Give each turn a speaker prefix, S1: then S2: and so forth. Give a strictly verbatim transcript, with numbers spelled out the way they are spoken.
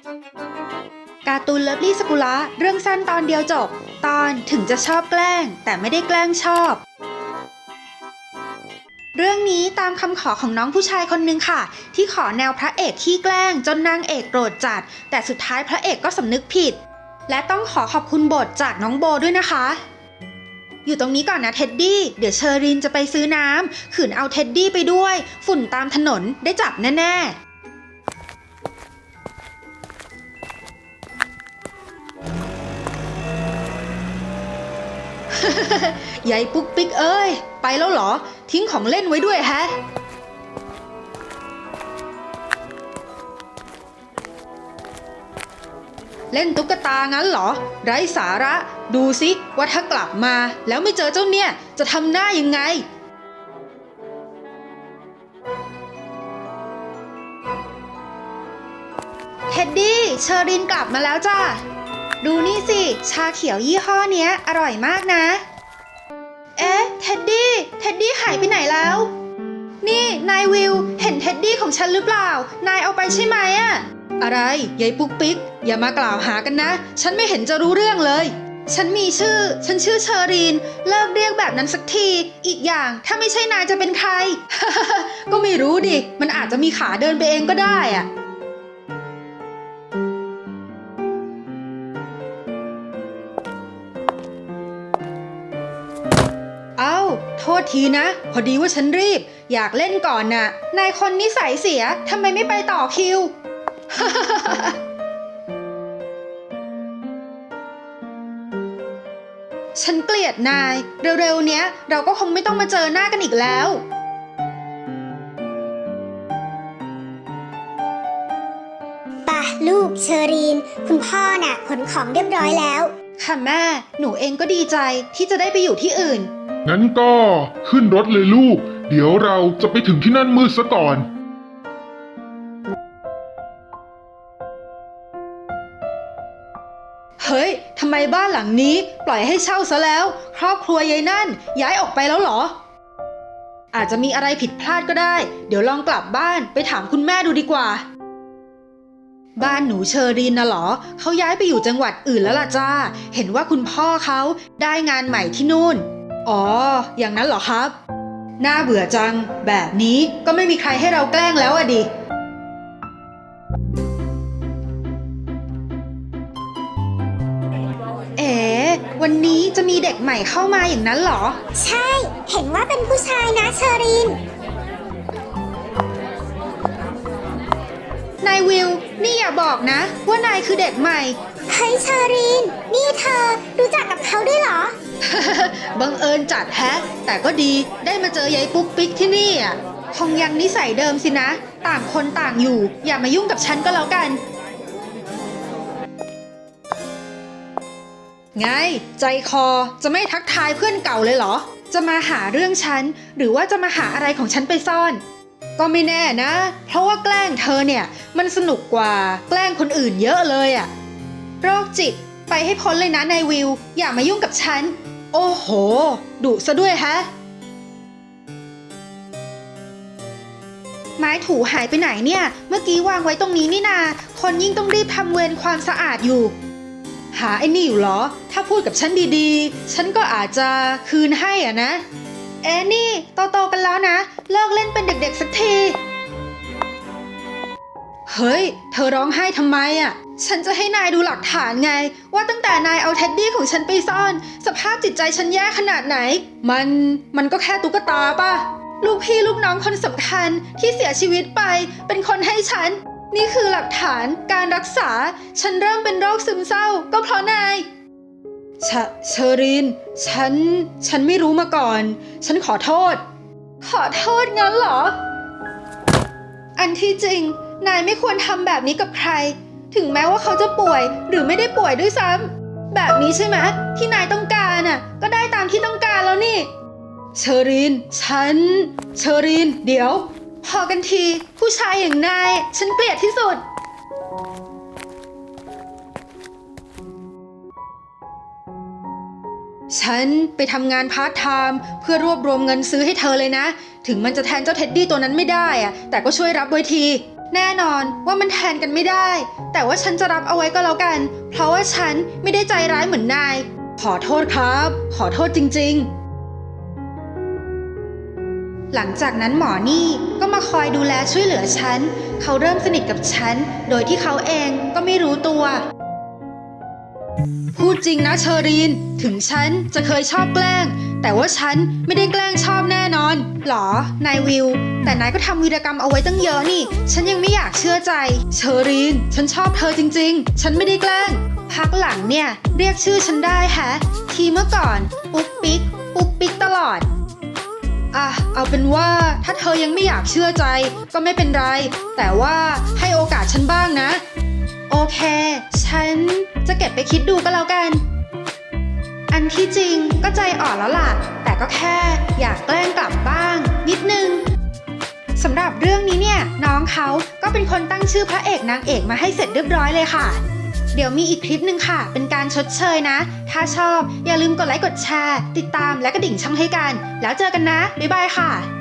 S1: การ์ตูนเลิฟลี่สกุละเรื่องสั้นตอนเดียวจบตอนถึงจะชอบแกล้งแต่ไม่ได้แกล้งชอบเรื่องนี้ตามคำขอของน้องผู้ชายคนนึงค่ะที่ขอแนวพระเอกขี้แกล้งจนนางเอกโกรธจัดแต่สุดท้ายพระเอกก็สำนึกผิดและต้องขอขอบคุณบทจากน้องโบด้วยนะคะอยู่ตรงนี้ก่อนนะเท็ดดี้เดี๋ยวเชอรินจะไปซื้อน้ำขืนเอาเท็ดดี้ไปด้วยฝุ่นตามถนนได้จับแน่ๆยายปุ๊กปิ๊กเอ้ยไปแล้วเหรอทิ้งของเล่นไว้ด้วยแฮะเล่นตุ๊กตางั้นเหรอไร้สาระดูสิว่าถ้ากลับมาแล้วไม่เจอเจ้าเนี่ยจะทำหน้ายังไงเท็ดดี้เชอรินกลับมาแล้วจ้าดูนี่สิชาเขียวยี่ห้อเนี้ยอร่อยมากนะเอ๊ะเท็ดดี้เท็ดดี้หายไปไหนแล้วนี่นายวิวเห็นเท็ดดี้ของฉันหรือเปล่านายเอาไปใช่ไหมอะอะไรยายปุ๊กปิ๊กอย่ามากล่าวหากันนะฉันไม่เห็นจะรู้เรื่องเลยฉันมีชื่อฉันชื่อเชอรีนเลิกเรียกแบบนั้นสักทีอีกอย่างถ้าไม่ใช่นายจะเป็นใคร ก็ไม่รู้ดิมันอาจจะมีขาเดินไปเองก็ได้อะเอ้าโทษทีนะพอดีว่าฉันรีบอยากเล่นก่อนน่ะนายคนนิสัยเสียทำไมไม่ไปต่อคิว ฉันเกลียดนายเร็วๆเนี้ยเราก็คงไม่ต้องมาเจอหน้ากันอีกแล้ว
S2: ป่ะลูกเชอรีนคุณพ่อน่ะขนของเรียบร้อยแล้ว
S1: ค่ะแม่หนูเองก็ดีใจที่จะได้ไปอยู่ที่อื่น
S3: งั้นก็ขึ้นรถเลยลูกเดี๋ยวเราจะไปถึงที่นั่นมืดซะก่อน
S1: เฮ้ยทำไมบ้านหลังนี้ปล่อยให้เช่าซะแล้วครอบครัวยายนั่นย้ายออกไปแล้วเหรออาจจะมีอะไรผิดพลาดก็ได้เดี๋ยวลองกลับบ้านไปถามคุณแม่ดูดีกว่าบ้านหนูเชอรีนน่ะเหรอเขาย้ายไปอยู่จังหวัดอื่นแล้วล่ะจ้าเห็นว่าคุณพ่อเขาได้งานใหม่ที่นู่นอ๋ออย่างนั้นเหรอครับน่าเบื่อจังแบบนี้ก็ไม่มีใครให้เราแกล้งแล้วอะดิเอ๋วันนี้จะมีเด็กใหม่เข้ามาอย่างนั้นเหรอ
S2: ใช่เห็นว่าเป็นผู้ชายนะเชอรีน
S1: นายวิวนี่อย่าบอกนะว่านายคือเด็กใหม่
S2: เฮ้ยเชอรีนนี่เธอรู้จักกับเขาด้วยเหรอ
S1: บังเอิญจัดแฮะแต่ก็ดีได้มาเจอยายปุ๊กปิ๊กที่นี่อ่ะคงยังนิสัยเดิมสินะต่างคนต่างอยู่อย่ามายุ่งกับฉันก็แล้วกันไงใจคอจะไม่ทักทายเพื่อนเก่าเลยเหรอจะมาหาเรื่องฉันหรือว่าจะมาหาอะไรของฉันไปซ่อนก็ไม่แน่นะเพราะว่าแกล้งเธอเนี่ยมันสนุกกว่าแกล้งคนอื่นเยอะเลยอะโรคจิตไปให้พ้นเลยนะนายวิวอย่ามายุ่งกับฉันโอ้โหดุซะด้วยฮะไม้ถูหายไปไหนเนี่ยเมื่อกี้วางไว้ตรงนี้นี่นาคนยิ่งต้องรีบทำเวรความสะอาดอยู่หาไอ้นี่อยู่เหรอถ้าพูดกับฉันดีๆฉันก็อาจจะคืนให้อ่ะนะเอ๊ะนี่โตๆกันแล้วนะเลิกเล่นเป็นเด็กๆสักทีเฮ้ยเธอร้องไห้ทำไมอ่ะฉันจะให้นายดูหลักฐานไงว่าตั้งแต่นายเอาเท็ดดี้ของฉันไปซ่อนสภาพจิตใจฉันแย่ขนาดไหนมันมันก็แค่ตุ๊กตาป่ะลูกพี่ลูกน้องคนสำคัญที่เสียชีวิตไปเป็นคนให้ฉันนี่คือหลักฐานการรักษาฉันเริ่มเป็นโรคซึมเศร้าก็เพราะนายเชเชอรีนฉันฉันไม่รู้มาก่อนฉันขอโทษขอโทษงั้นเหรออันที่จริงนายไม่ควรทำแบบนี้กับใครถึงแม้ว่าเขาจะป่วยหรือไม่ได้ป่วยด้วยซ้ำแบบนี้ใช่ไหมที่นายต้องการน่ะก็ได้ตามที่ต้องการแล้วนี่เชอรีนฉันเชอรีนเดี๋ยวพอกันทีผู้ชายอย่างนายฉันเกลียดที่สุดฉันไปทำงานพาร์ทไทม์เพื่อรวบรวมเงินซื้อให้เธอเลยนะถึงมันจะแทนเจ้าเท็ดดี้ตัวนั้นไม่ได้อะแต่ก็ช่วยรับไว้ทีแน่นอนว่ามันแทนกันไม่ได้ แต่ว่าฉันจะรับเอาไว้ก็แล้วกัน เพราะว่าฉันไม่ได้ใจร้ายเหมือนนาย ขอโทษครับ ขอโทษจริงๆ หลังจากนั้นหมอนี่ก็มาคอยดูแลช่วยเหลือฉัน เขาเริ่มสนิทกับฉัน โดยที่เขาเองก็ไม่รู้ตัว พูดจริงนะเชอรีน ถึงฉันจะเคยชอบแกล้ง แต่ว่าฉันไม่ได้แกล้งชอบแน่นอนหรอนายวิว แต่นายก็ทำวีรกรรมเอาไว้ตั้งเยอะนี่ ฉันยังไม่อยากเชื่อใจ เชอรีน ฉันชอบเธอจริงๆ ฉันไม่ได้แกล้ง พักหลังเนี่ยเรียกชื่อฉันได้แฮะ ทีเมื่อก่อนปุ๊กปิ๊กปุ๊กปิ๊กตลอด อ่ะ เอาเป็นว่าถ้าเธอยังไม่อยากเชื่อใจก็ไม่เป็นไร แต่ว่าให้โอกาสฉันบ้างนะ โอเค ฉันจะเก็บไปคิดดูก็แล้วกัน อันที่จริงก็ใจอ่อนแล้วล่ะ แต่ก็แค่อยากแกล้งกลับบ้าง นิดนึงสำหรับเรื่องนี้เนี่ยน้องเขาก็เป็นคนตั้งชื่อพระเอกนางเอกมาให้เสร็จเรียบร้อยเลยค่ะ เดี๋ยวมีอีกคลิปหนึ่งค่ะ เป็นการชดเชยนะ ถ้าชอบอย่าลืมกดไลค์กดแชร์ ติดตามและกระดิ่งช่องให้กัน แล้วเจอกันนะ บ๊ายบายค่ะ